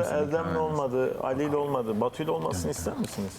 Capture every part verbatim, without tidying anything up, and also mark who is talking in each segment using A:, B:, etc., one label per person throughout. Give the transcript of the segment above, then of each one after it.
A: da Erdem'le olmadı, Ali'yle olmadı. Batu'yla olmasını ister misiniz?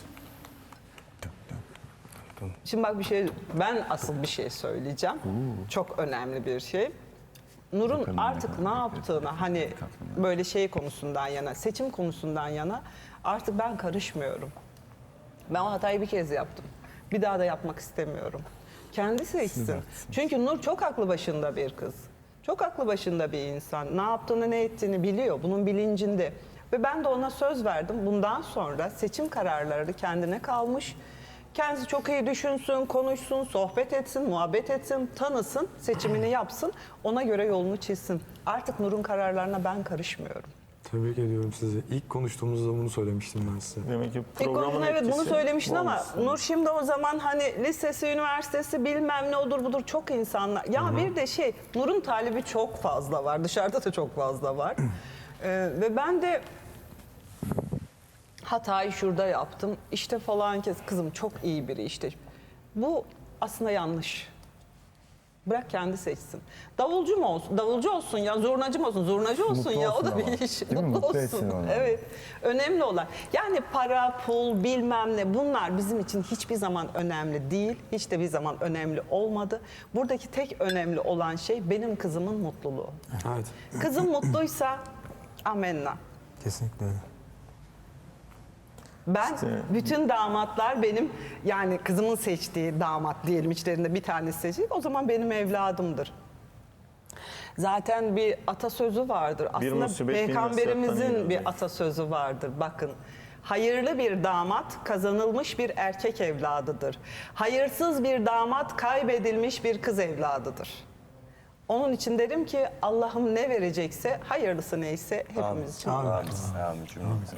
B: Şimdi bak bir şey, ben asıl bir şey söyleyeceğim. Çok önemli bir şey. Nur'un artık ne yaptığına, hani böyle şey konusundan yana, seçim konusundan yana artık ben karışmıyorum. Ben o hatayı bir kez yaptım. Bir daha da yapmak istemiyorum. Kendi seçsin. Çünkü Nur çok aklı başında bir kız. Çok aklı başında bir insan. Ne yaptığını, ne ettiğini biliyor. Bunun bilincinde. Ve ben de ona söz verdim. Bundan sonra seçim kararları kendine kalmış. Kendisi çok iyi düşünsün, konuşsun, sohbet etsin, muhabbet etsin, tanısın, seçimini yapsın. Ona göre yolunu çizsin. Artık Nur'un kararlarına ben karışmıyorum.
C: Tebrik ediyorum sizi. İlk konuştuğumuzda bunu söylemiştim ben size.
A: Demek ki
B: İlk
A: programın
B: konuşma evet bunu
A: etkisi
B: söylemiştin ama
A: olmuş.
B: Nur şimdi o zaman hani lisesi, üniversitesi bilmem ne odur budur çok insanlar. Ya Hı-hı. bir de şey Nur'un talibi çok fazla var. Dışarıda da çok fazla var. ee, ve ben de hatayı şurada yaptım. İşte falan kez kızım çok iyi biri işte. Bu aslında yanlış. Bırak kendi seçsin. Davulcu mu olsun? Davulcu olsun ya, zurnacı mı olsun? Zurnacı olsun
D: Mutlu
B: ya.
D: olsun
B: O da bir
D: ama.
B: iş.
D: Değil mi?
B: Mutlu
D: Mutlu etsin
B: olsun.
D: onu.
B: Evet. Önemli olan. Yani para, pul, bilmem ne bunlar bizim için hiçbir zaman önemli değil. Hiç de bir zaman önemli olmadı. Buradaki tek önemli olan şey benim kızımın mutluluğu.
C: Evet.
B: Kızım mutluysa amenna.
D: Kesinlikle öyle.
B: Ben
A: İşte-
B: bütün damatlar benim yani kızımın seçtiği damat diyelim içlerinde bir tanesi seçecek o zaman benim evladımdır. Zaten bir atasözü vardır. Aslında
A: musibet bin
B: peygamberimizin
A: nasihattan
B: bir
A: iyidir.
B: atasözü vardır. Bakın. Hayırlı bir damat kazanılmış bir erkek evladıdır. Hayırsız bir damat kaybedilmiş bir kız evladıdır. Onun için derim ki Allah'ım ne verecekse hayırlısı neyse hepimiz için
C: Amin.
B: versin.
E: Amin cümlemize.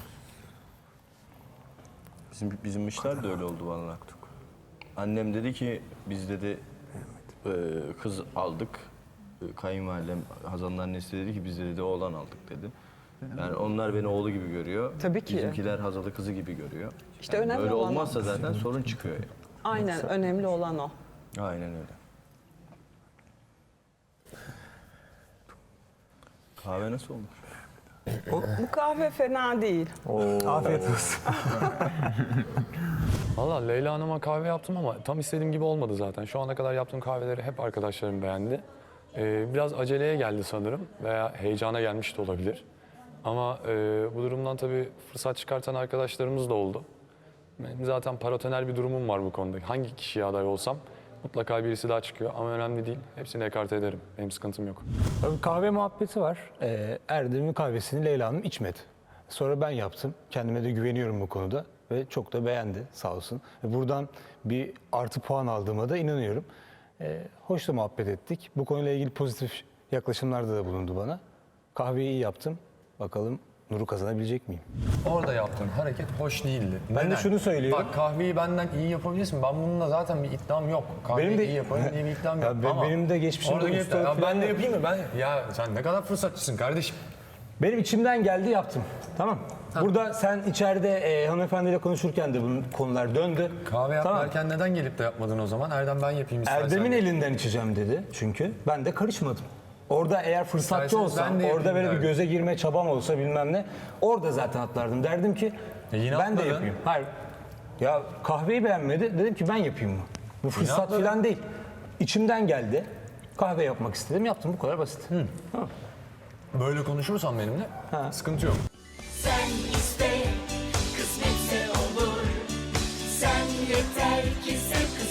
E: Bizim, bizim işler de öyle oldu vallahi. Annem dedi ki biz dedi e, kız aldık. E, Kayınvalidem Hazan'ın annesi dedi ki biz de dedi oğlan aldık dedi. Yani onlar beni oğlu gibi görüyor.
B: Tabii ki.
E: Bizimkiler Hazal'ı kızı gibi görüyor.
B: İşte
E: Yani
B: önemli
E: böyle
B: olan o.
E: olmazsa zaten sorun çıkıyor. Yani.
B: Aynen önemli olan o.
E: Aynen öyle. Kahve nasıl olmuş?
B: Bu kahve fena değil.
C: Afiyet olsun.
F: Valla Leyla Hanım'a kahve yaptım ama tam istediğim gibi olmadı zaten. Şu ana kadar yaptığım kahveleri hep arkadaşlarım beğendi. Ee, biraz aceleye geldi sanırım veya heyecana gelmiş de olabilir. Ama e, bu durumdan tabii fırsat çıkartan arkadaşlarımız da oldu. Benim zaten paratoner bir durumum var bu konuda. Hangi kişiye aday olsam mutlaka birisi daha çıkıyor ama önemli değil. Hepsini ekarte ederim. Benim sıkıntım yok.
D: Tabii kahve muhabbeti var. Ee, Erdem'in kahvesini Leyla Hanım içmedi. Sonra ben yaptım. Kendime de güveniyorum bu konuda. Ve çok da beğendi sağ olsun. Ve buradan bir artı puan aldığıma da inanıyorum. Ee, hoş da muhabbet ettik. Bu konuyla ilgili pozitif yaklaşımlarda da bulundu bana. Kahveyi iyi yaptım. Bakalım Nur'u kazanabilecek miyim?
F: Orada yaptığın hareket hoş değildi.
D: Ben de şunu söylüyorum.
F: Bak kahveyi benden iyi yapabilirsin. Ben bununla zaten bir iddiam yok. Kahveyi
D: Benim de-
F: iyi yaparım diye bir iddiam
D: Ya
F: yok.
D: be-
F: Ama
D: benim de geçmişimde
F: orada
D: ustalık
F: ya
D: falan
F: ben de
D: yok.
F: yapayım mı? Ben ya sen ne kadar fırsatçısın kardeşim.
D: Benim içimden geldi yaptım. Tamam. Burada sen içeride e, hanımefendiyle konuşurken de bunun konular döndü.
F: Kahve yap
D: Tamam.
F: derken neden gelip de yapmadın o zaman? Erdem ben yapayım istersen.
D: Erdem'in elinden içeceğim dedi çünkü. Ben de karışmadım. Orada eğer fırsatçı
F: İsterseniz
D: olsam,
F: ben de
D: orada
F: yapayım
D: böyle bir
F: derdim.
D: göze girme çabam olsa bilmem ne, orada zaten atlardım. Derdim ki
F: E yine
D: ben de
F: atladın.
D: yapayım. Hayır. Ya kahveyi beğenmedi. Dedim ki ben yapayım mı? Bu fırsat
F: atladın.
D: falan değil. İçimden geldi. Kahve yapmak istedim. Yaptım. Bu kadar basit. Tamam.
F: Böyle konuşursan benimle sıkıntı yok.
G: Sen iste, kısmetse olur. Sen yeter ki sev,